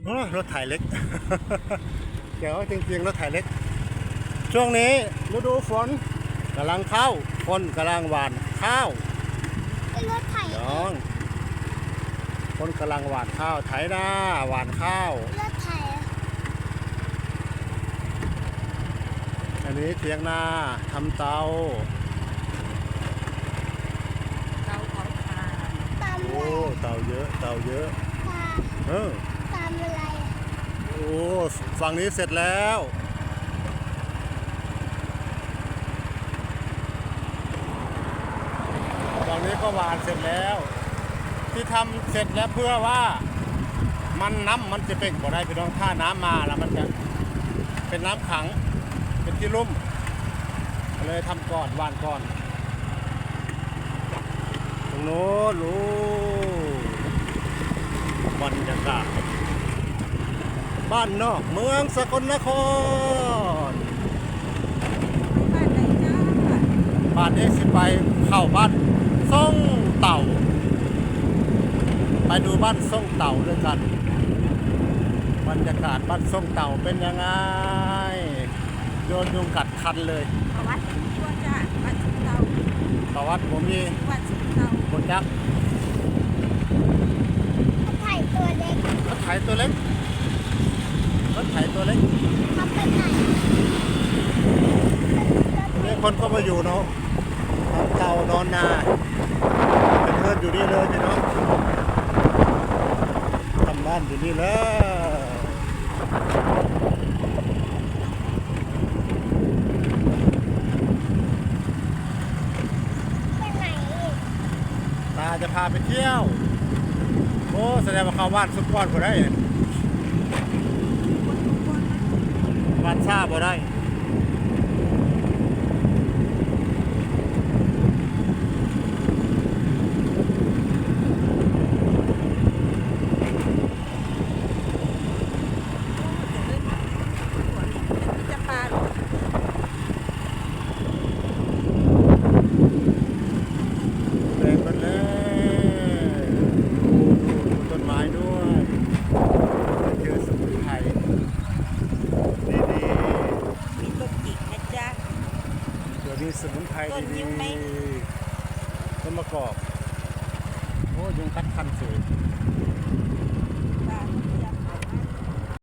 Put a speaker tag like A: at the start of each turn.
A: โอ้รถไถเล็ก เดี๋ยวจริงๆรถไถเล็กช่วงนี้ฤดูฝนกำลังเข้าคนกำลังหว่านข้าว
B: รถไถ
A: น้องคนกำลังหว่านข้าวไถนาหว่านข้าว
B: รถไถ
A: อันนี้เถียงนาทำเตา
C: เตาเผาถ่าน
B: ตามอะไร
A: โอ้เตาเยอะเตาเยอะ
B: ตามอะไร
A: โอ้ฝั่งนี้เสร็จแล้วฝั่งนี้ก็หวานเสร็จแล้วที่ทำเสร็จแล้วเพื่อว่าน้ำมันจะเป่งบ่ได้พี่น้องถ้าน้ำมาแล้วมันจะเป็นน้ำขังเป็นที่ลุ่มเลยทำก่อนหวานก่อนตรงโน้นรู้บรรยากาศบ้านนอกเมืองสกลนคร
C: บ้านไหนจ้า
A: บ้านเอสิไปเข้าบ้านส่งเต่าไปดูบ้านส่งเต่าด้วยกันบรรยากาศบ้านส่งเต่าเป็นยังไงโดนยุงกัดคันเลย
C: ประวัติตัวจ้าบ้านสุนเตา
A: ประวัติผมมี
C: บ้านสุนเตา
A: บนยักษ์
B: รถไถตัวเล็ก
A: รถไถตัวเล็กรถไถตัวเล็ก
B: เขาไปไหน
A: นี่คนก็มาอยู่เนาะทำเต่านอนนาเป็นเพื่อนอยู่นี่เลยพี่น้องทำบ้านอยู่นี่เลย
B: ไปไหนอีก
A: ตาจะพาไปเที่ยวโอ้แสดงว่าเข้าบ้านสุดก้อนบ่ได้บ้านซ่าบ่ได้
C: จะปลา
A: แดงกันแล้วดูต้นไม้ด้วยเจอสมุนไพรดี
C: มีต้นจิกนะจ๊ะ
A: ๆเดี๋ยวมีสมุนไพร
C: ต้นยิ้
A: ดี
C: มไหม
A: ๆต้นมะกอกโอ้ยุงกัดคันสวย